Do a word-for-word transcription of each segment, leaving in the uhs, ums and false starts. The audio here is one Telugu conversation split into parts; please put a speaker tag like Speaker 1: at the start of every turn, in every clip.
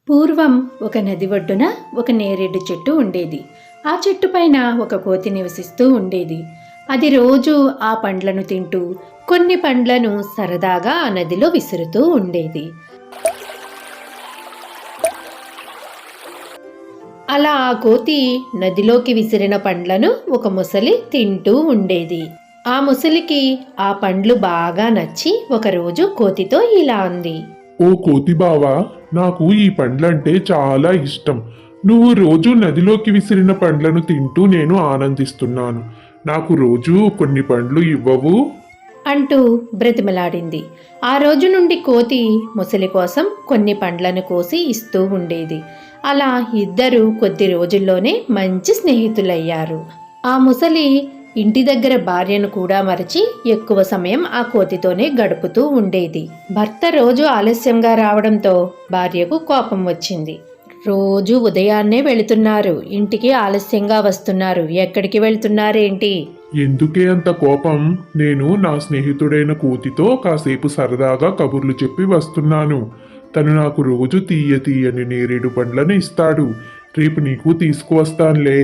Speaker 1: పూర్వం ఒక నది ఒడ్డున ఒక నేరేడు చెట్టు ఉండేది. ఆ చెట్టు పైన ఒక కోతి నివసిస్తూ ఉండేది. అది రోజు ఆ పండ్లను తింటూ కొన్ని పండ్లను సరదాగా ఆ నదిలో విసురుతూ ఉండేది. అలా ఆ కోతి నదిలోకి విసిరిన పండ్లను ఒక ముసలి తింటూ ఉండేది. ఆ ముసలికి ఆ పండ్లు బాగా నచ్చి ఒకరోజు కోతితో ఇలా అంది.
Speaker 2: ఓ కోతి బావా, నాకు ఈ పండ్లంటే చాలా ఇష్టం. నువ్వు రోజు నదిలోకి విసిరిన పండ్లను తింటూ నేను ఆనందిస్తున్నాను. నాకు రోజు కొన్ని పండ్లు ఇవ్వవు?
Speaker 1: అంటూ బ్రతిమలాడింది. ఆ రోజు నుండి కోతి ముసలి కోసం కొన్ని పండ్లను కోసి ఇస్తూ ఉండేది. అలా ఇద్దరు కొద్ది రోజుల్లోనే మంచి స్నేహితులయ్యారు. ఆ ముసలి ఇంటి దగ్గర భార్యను కూడా మరచి ఎక్కువ సమయం ఆ కోతితోనే గడుపుతూ ఉండేది. భర్త రోజు ఆలస్యంగా రావడంతో భార్యకు కోపం వచ్చింది. రోజు ఉదయాన్నే వెళుతున్నారు, ఇంటికి ఆలస్యంగా వస్తున్నారు, ఎక్కడికి వెళ్తున్నారేంటి?
Speaker 2: ఎందుకే అంత కోపం? నేను నా స్నేహితుడైన కోతితో కాసేపు సరదాగా కబుర్లు చెప్పి వస్తున్నాను. తను నాకు రోజు తీయ తీయని నేరేడు పండ్లను ఇస్తాడు. రేపు నీకు తీసుకువస్తానులే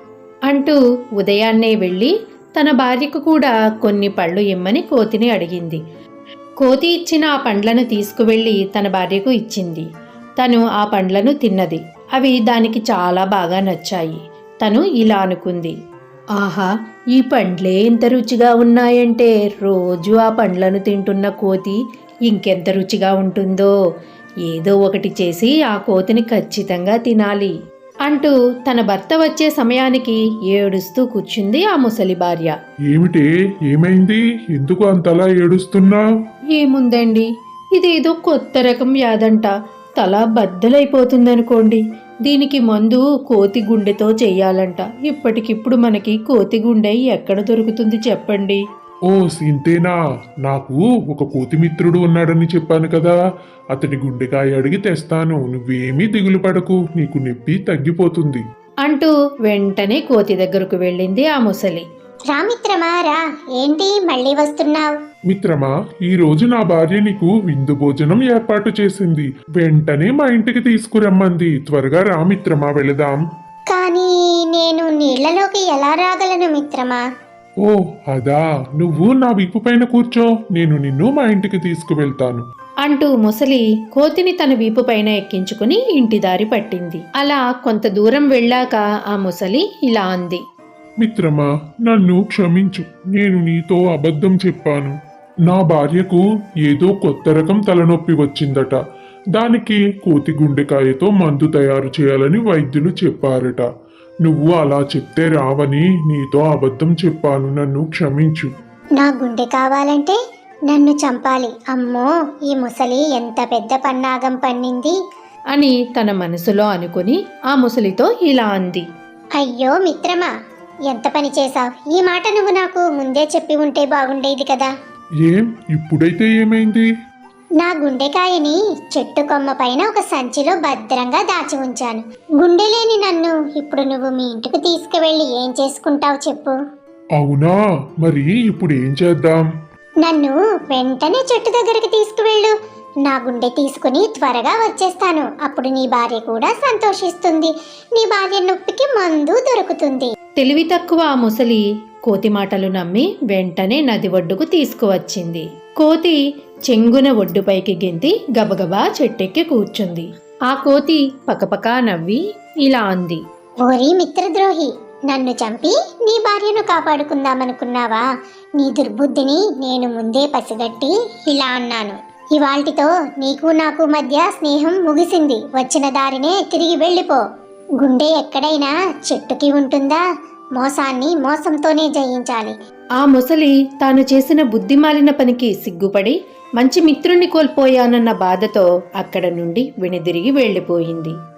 Speaker 1: అంటూ ఉదయాన్నే వెళ్ళి తన భార్యకు కూడా కొన్ని పళ్ళు ఇమ్మని కోతిని అడిగింది. కోతి ఇచ్చిన ఆ పండ్లను తీసుకువెళ్ళి తన భార్యకు ఇచ్చింది. తను ఆ పండ్లను తిన్నది. అవి దానికి చాలా బాగా నచ్చాయి. తను ఇలా అనుకుంది, ఆహా, ఈ పండ్లే ఇంత రుచిగా ఉన్నాయంటే రోజు ఆ పండ్లను తింటున్న కోతి ఇంకెంత రుచిగా ఉంటుందో. ఏదో ఒకటి చేసి ఆ కోతిని ఖచ్చితంగా తినాలి అంటూ తన భర్త వచ్చే సమయానికి ఏడుస్తూ కూర్చుంది ఆ ముసలి భార్య.
Speaker 2: ఏమిటే, ఏమైంది? ఎందుకు అంతలా ఏడుస్తున్నావు?
Speaker 1: ఏముందండి, ఇదేదో కొత్త రకం వ్యాధంట. తల బద్దలైపోతుందనుకోండి. దీనికి మందు కోతి గుండెతో చెయ్యాలంట. ఇప్పటికిప్పుడు మనకి కోతి గుండె ఎక్కడ దొరుకుతుంది చెప్పండి?
Speaker 2: ఓ సింతేనా? నాకు ఒక కోతి మిత్రుడు ఉన్నాడని చెప్పాను కదా, అతడి గుండెకాయ అడిగి తెస్తాను. నువ్వేమీ దిగులు పడకు, నీకు నొప్పి తగ్గిపోతుంది
Speaker 1: అంటూ వెంటనే కోతి దగ్గరకు వెళ్ళింది ఆ ముసలి.
Speaker 3: రా మిత్రమా, రా. ఏంటి మళ్ళీ వస్తున్నావు?
Speaker 2: మిత్రమా, ఈ రోజు నా భార్య నీకు విందు భోజనం ఏర్పాటు చేసింది. వెంటనే మా ఇంటికి తీసుకురమ్మంది. త్వరగా రా మిత్రమా, వెళదాం.
Speaker 3: కానీ నేను నీళ్లలోకి ఎలా రాగలను మిత్రమా?
Speaker 2: ఓ అదా, నువ్వు నా వీపు పైన కూర్చో, నేను నిన్ను మా ఇంటికి తీసుకువెళ్తాను
Speaker 1: అంటూ ముసలి కోతిని తన వీపు పైన ఎక్కించుకుని ఇంటి దారి పట్టింది. అలా కొంత దూరం వెళ్ళాక ఆ ముసలి ఇలా అంది.
Speaker 2: మిత్రమా, నన్ను క్షమించు. నేను నీతో అబద్ధం చెప్పాను. నా భార్యకు ఏదో కొత్త రకం తలనొప్పి వచ్చిందట. దానికి కోతి గుండెకాయతో మందు తయారు చేయాలని వైద్యులు చెప్పారట. నువ్వు అలా చెప్తే రావని నీతో అబద్ధం చెప్పాను. నన్ను క్షమించు.
Speaker 3: నా గుండె కావాలంటే నన్ను చంపాలి. అమ్మో, ఈ ముసలి ఎంత పెద్ద పన్నాగం పన్నింది
Speaker 1: అని తన మనసులో అనుకుని ఆ ముసలితో ఇలా అంది.
Speaker 3: అయ్యో మిత్రమా, ఎంత పని చేశావు. ఈ మాట నువ్వు నాకు ముందే చెప్పి ఉంటే బాగుండేది కదా.
Speaker 2: ఏం, ఇప్పుడైతే ఏమైంది?
Speaker 3: నా గుండెకాయని చెట్టు కొమ్మ పైన ఒక సంచిలో భద్రంగా దాచి ఉంచాను. గుండె లేని నన్ను ఇప్పుడు నువ్వు మీ ఇంటికి తీసుకువెళ్ళి ఏం చేసుకుంటావు చెప్పు?
Speaker 2: అవునా, మరి ఇప్పుడు ఏం చేద్దాం?
Speaker 3: నన్ను వెంటనే చెట్టు దగ్గరికి తీసుకువెళ్ళు. నా గుండె తీసుకుని త్వరగా వచ్చేస్తాను. అప్పుడు నీ భార్య కూడా సంతోషిస్తుంది. నీ భార్య నొప్పికి మందు దొరుకుతుంది.
Speaker 1: తెలివి తక్కువ ఆ ముసలి కోతి మాటలు నమ్మి వెంటనే నది ఒడ్డుకు తీసుకువచ్చింది. కోతి చెంగున ఒడ్డుపైకి గెంతి గబగబా చెట్టెక్కి కూర్చుంది. ఆ కోతి పకపకా నవ్వి ఇలా అంది.
Speaker 3: ఓరి మిత్రద్రోహి, నన్ను చంపి నీ భార్యను కాపాడుకుందామనుకున్నావా? నీ దుర్బుద్ధిని నేను ముందే పసిగట్టి ఇలా అన్నాను. ఇవాల్టితో నీకు నాకు మధ్య స్నేహం ముగిసింది. వచ్చిన దారినే తిరిగి వెళ్ళిపో. గుండె ఎక్కడైనా చెట్టుకి ఉంటుందా? మోసాన్ని మోసంతోనే జయించాలి.
Speaker 1: ఆ ముసలి తాను చేసిన బుద్ధిమాలిన పనికి సిగ్గుపడి మంచి మిత్రుణ్ణి కోల్పోయానన్న బాధతో అక్కడ నుండి వెనుదిరిగి వెళ్ళిపోయింది.